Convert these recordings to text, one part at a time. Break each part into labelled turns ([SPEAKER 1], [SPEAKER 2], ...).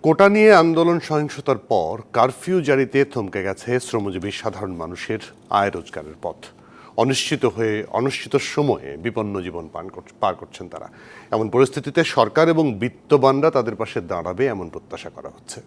[SPEAKER 1] কোটা নিয়ে আন্দোলন সহিংসতার পর কারফিউ জারিতে থমকে গেছে শ্রমজীবী সাধারণ মানুষের আয় রোজগারের পথ। অনিশ্চিত সময়ে বিপন্ন জীবন পার করছেন তারা। এমন পরিস্থিতিতে সরকার এবং বিত্তবানরা তাদের পাশে দাঁড়াবে এমন প্রত্যাশা করা হচ্ছে।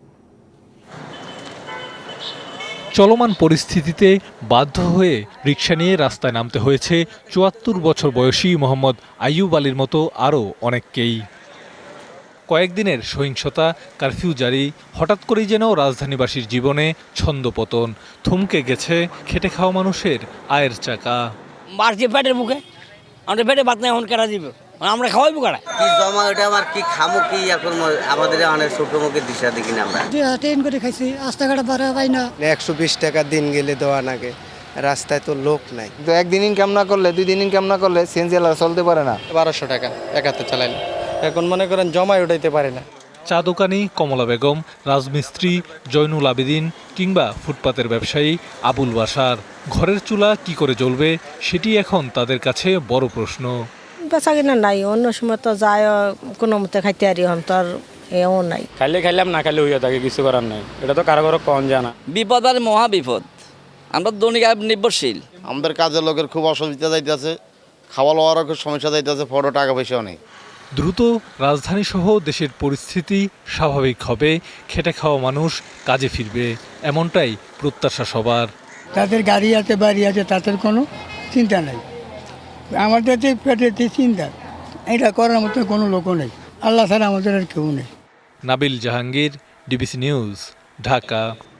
[SPEAKER 2] চলমান পরিস্থিতিতে বাধ্য হয়ে রিকশা নিয়ে রাস্তায় নামতে হয়েছে ৭৪ বছর বয়সী মোহাম্মদ আইয়ুব আলীর মতো আরও অনেককেই। কয়েকদিনের সহিংসতা, কারফিউ জারি, হঠাৎ করেই যেন রাজধানীবাসীর জীবনে ছন্দপতন, থমকে গেছে খেটে খাওয়া মানুষের আয়ের চাকা।
[SPEAKER 3] মারছে পেটের মুখে, আমাদের পেটে ভাত নেই, এখন কেনা দিবে, আমরা খাওয়াইবো কারা?
[SPEAKER 4] কি জমা ওটা আমার কি খামো কি এখন আমাদের অনেক ছোট মুখে দিশা দেখি না আমরা।
[SPEAKER 5] ট্রেন করে খাইছি, রাস্তাঘাট বাড়া পাই না।
[SPEAKER 6] 120 টাকা দিন গেলে দেওয়া নাগে, রাস্তায় তো লোক নাই।
[SPEAKER 7] তো একদিন ইনকাম না করলে 2 দিন ইনকাম না করলে সিএনজি চলতে পারে না।
[SPEAKER 6] 1200 টাকা একাতে চালাইলে এখন মনে করেন জমায় উঠাইতে পারে না।
[SPEAKER 2] চা দোকানি কমলা বেগম, রাজমিস্ত্রি জয়নুল আবেদিন কিংবা ফুটপাতের ব্যবসায়ী আবুল বাশার, ঘরের চুলা কি করে জ্বলবে সেটি এখন তাদের কাছে বড় প্রশ্ন।
[SPEAKER 5] বেচা কিনা নাই, অন্য সময় তো যায় কোনো মতে খাইতে পারি, এখন তো আর এও নাই।
[SPEAKER 8] খাইলে খাইলাম, না খাইলে হইয়া থাকে, কিছু করার নাই। এটা তো কারো কারো কম জানা।
[SPEAKER 3] বিপদ আর মহা বিপদ, আমরা দৈনিক নির্ভরশীল।
[SPEAKER 7] আমাদের কাজের লোকের খুব অসুবিধা যাইতেছে, খাওয়া লওয়ারও খুব সমস্যা যাইতেছে, ফটো টাকা পয়সাও নেই।
[SPEAKER 2] দ্রুত রাজধানীসহ দেশের পরিস্থিতি স্বাভাবিক হবে, খেটে খাওয়া মানুষ কাজে ফিরবে, এমনটাই প্রত্যাশা সবার।
[SPEAKER 9] তাদের গাড়ি আছে, বাড়ি আছে, তাদের কোনো চিন্তা নেই। আমাদের যে পেটেতে চিন্তা, এটা করার মতো কোনো লোকও নেই। আল্লাহ ছাড়া আমাদের আর কেউ নেই।
[SPEAKER 2] Nabil Jahangir, DBC news, Dhaka.